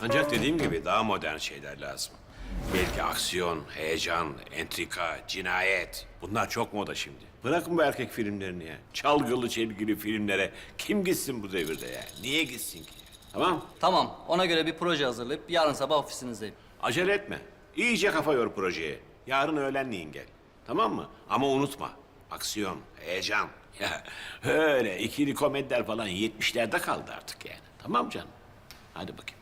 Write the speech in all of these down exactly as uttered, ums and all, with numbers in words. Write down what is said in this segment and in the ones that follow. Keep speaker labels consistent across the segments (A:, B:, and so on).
A: Ancak dediğim gibi daha modern şeyler lazım. Belki aksiyon, heyecan, entrika, cinayet. Bunlar çok moda şimdi. Bırakın bu erkek filmlerini ya. Çalgılı çelgili filmlere kim gitsin bu devirde ya? Niye gitsin ki? Tamam?
B: Tamam, ona göre bir proje hazırlayıp yarın sabah ofisinizdeyim.
A: Acele etme. İyice kafa yor projeye. Yarın öğlenleyin gel. Tamam mı? Ama unutma. Aksiyon, heyecan. Ya öyle ikili komediler falan yetmişlerde kaldı artık yani. Tamam canım? Hadi bakayım.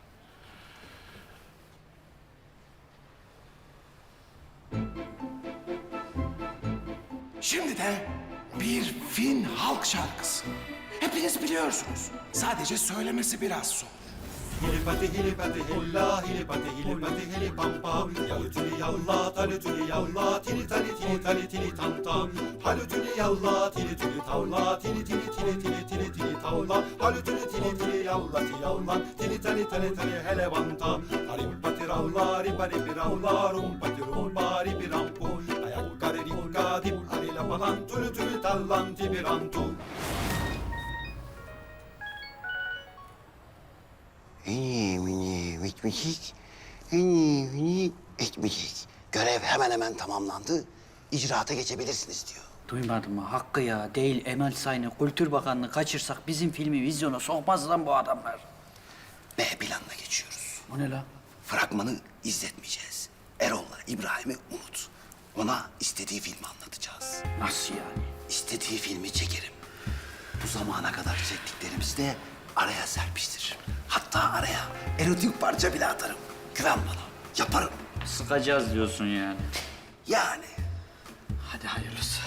C: Şimdi de bir Fin halk şarkısı. Hepiniz biliyorsunuz. Sadece söylemesi biraz zor.
D: Hilipati hilipati hilla hilipati hilipati hilipampa Yalutuni yalla talutuni yalla tili tali tili tali tili tanta Halutuni yalla tili tili tavla tili tili tili tili tili tili tavla Halutuni tili tili yalla ti yalla tili tali tali tali helevanta Harimpati ravla ripari piravla rumpati rumpari pirampu Ayakkari rikka dip harila palan tülü tülü tallanti pirantu
E: Mini mini bitmişik, mini mini etmişik. Görev hemen hemen tamamlandı. İcraata geçebilirsiniz diyor.
F: Duymadın mı? Hakkı ya değil Emel Sayın'ı, Kültür Bakanlığı kaçırsak bizim filmi vizyona sokmaz lan bu adamlar.
E: B planına geçiyoruz.
F: O ne la?
E: Fragmanı izletmeyeceğiz. Erol'la İbrahim'i unut. Ona istediği filmi anlatacağız.
F: Nasıl yani?
E: İstediği filmi çekerim. Bu zamana kadar çektiklerimizi de araya serpiştiririm. Hatta araya erotik parça bile atarım. Güven bana. Yaparım.
F: Sıkacağız diyorsun yani.
E: Yani.
F: Hadi hayırlısı.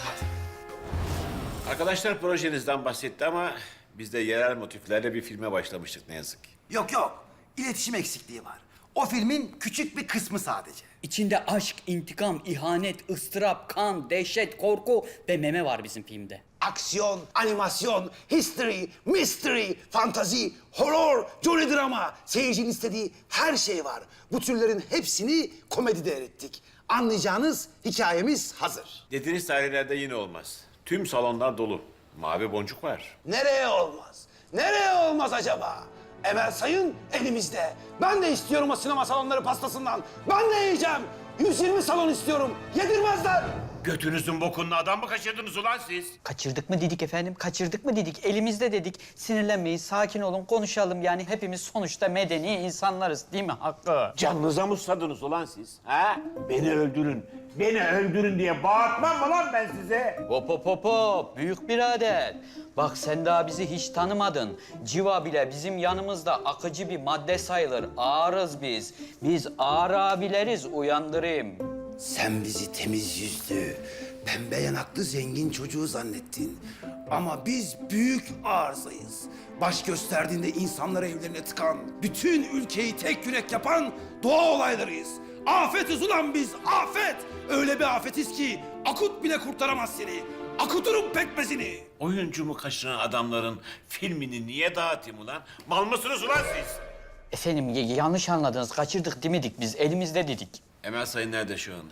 A: Arkadaşlar projenizden bahsetti ama biz de yerel motiflerle bir filme başlamıştık ne yazık ki.
E: Yok yok. İletişim eksikliği var. O filmin küçük bir kısmı sadece.
F: İçinde aşk, intikam, ihanet, ıstırap, kan, dehşet, korku ve meme var bizim filmde.
E: Aksiyon, animasyon, history, mystery, fantazi, horror, jolly drama. Seyircinin istediği her şey var. Bu türlerin hepsini komedide erittik. Anlayacağınız hikayemiz hazır.
A: Dediğiniz tarihlerde yine olmaz. Tüm salonlar dolu. Mavi boncuk var.
E: Nereye olmaz? Nereye olmaz acaba? Emel Sayın elimizde. Ben de istiyorum o sinema salonları pastasından. Ben de yiyeceğim. yüz yirmi salon istiyorum. Yedirmezler.
A: Götünüzün bokunlu adam mı kaçırdınız ulan siz?
F: Kaçırdık mı dedik efendim, kaçırdık mı dedik. Elimizde dedik. Sinirlenmeyin, sakin olun, konuşalım. Yani hepimiz sonuçta medeni insanlarız değil mi Hakkı?
A: Canınıza mı susadınız ulan siz? Ha? Beni öldürün, beni öldürün diye bağırtmam mı lan ben size?
F: Hop hop hop hop, büyük birader. Bak sen daha bizi hiç tanımadın. Civa bile bizim yanımızda akıcı bir madde sayılır. Ağırız biz. Biz ağır abileriz, uyandırayım.
E: Sen bizi temiz yüzlü, pembe yanaklı zengin çocuğu zannettin. Ama biz büyük arızayız. Baş gösterdiğinde insanları evlerine tıkan, bütün ülkeyi tek yürek yapan doğa olaylarıyız. Afetiz ulan biz, afet! Öyle bir afetiz ki akut bile kurtaramaz seni. Akuturum pekmezini.
A: Oyuncumu kaçıran adamların filmini niye dağıtayım ulan? Mal mısınız ulan siz?
F: Efendim y- yanlış anladınız. Kaçırdık demedik biz. Elimizde dedik.
A: Emel Sayın nerede şu anda?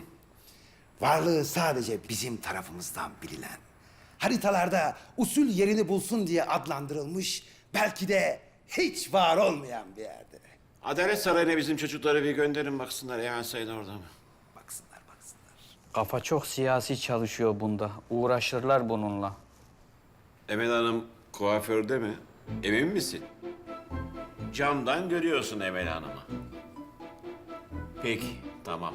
E: Varlığı sadece bizim tarafımızdan bilinen, haritalarda usul yerini bulsun diye adlandırılmış, belki de hiç var olmayan bir yerde.
A: Adalet Sarayı'na bizim çocukları bir gönderin baksınlar Emel Sayın orada mı?
E: Baksınlar, baksınlar.
F: Kafa çok siyasi çalışıyor bunda. Uğraşırlar bununla.
A: Emel Hanım kuaförde mi? Emin misin? Camdan görüyorsun Emel Hanım'ı. Peki, tamam.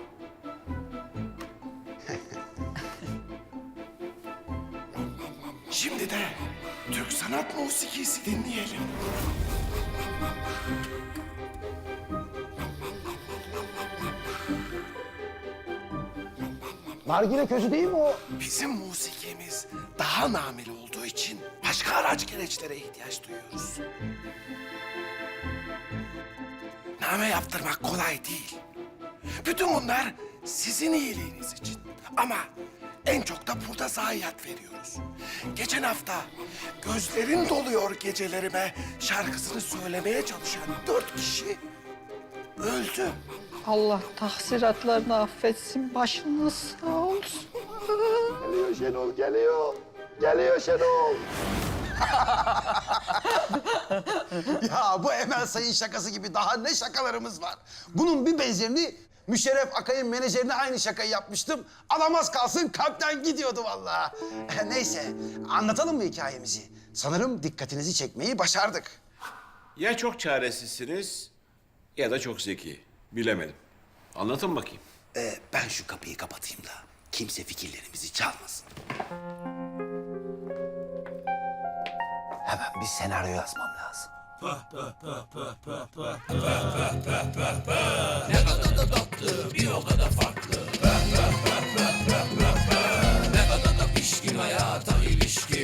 C: Şimdi de Türk sanat musikisi dinleyelim.
E: Nargile közü değil mi o?
C: Bizim musikimiz daha nameli olduğu için başka araç gereçlere ihtiyaç duyuyoruz. Name yaptırmak kolay değil. Bütün bunlar sizin iyiliğiniz için. Ama en çok da burada zayiat veriyoruz. Geçen hafta gözlerin doluyor gecelerime şarkısını söylemeye çalışan dört kişi öldü.
F: Allah tahsiratlarını affetsin. Başınız sağ olsun.
E: Geliyor Şenol, geliyor. Geliyor Şenol. Ya bu Emel Sayın şakası gibi daha ne şakalarımız var? Bunun bir benzerini Müşerref Akay'ın menajerine aynı şakayı yapmıştım. Alamaz kalsın kalpten gidiyordu vallahi. Neyse anlatalım mı hikayemizi? Sanırım dikkatinizi çekmeyi başardık.
A: Ya çok çaresizsiniz ya da çok zeki. Bilemedim. Anlatın bakayım.
E: Ee, ben şu kapıyı kapatayım da kimse fikirlerimizi çalmasın. Hemen bir senaryo yazmam lazım.
G: İlişkin hayata ilişkin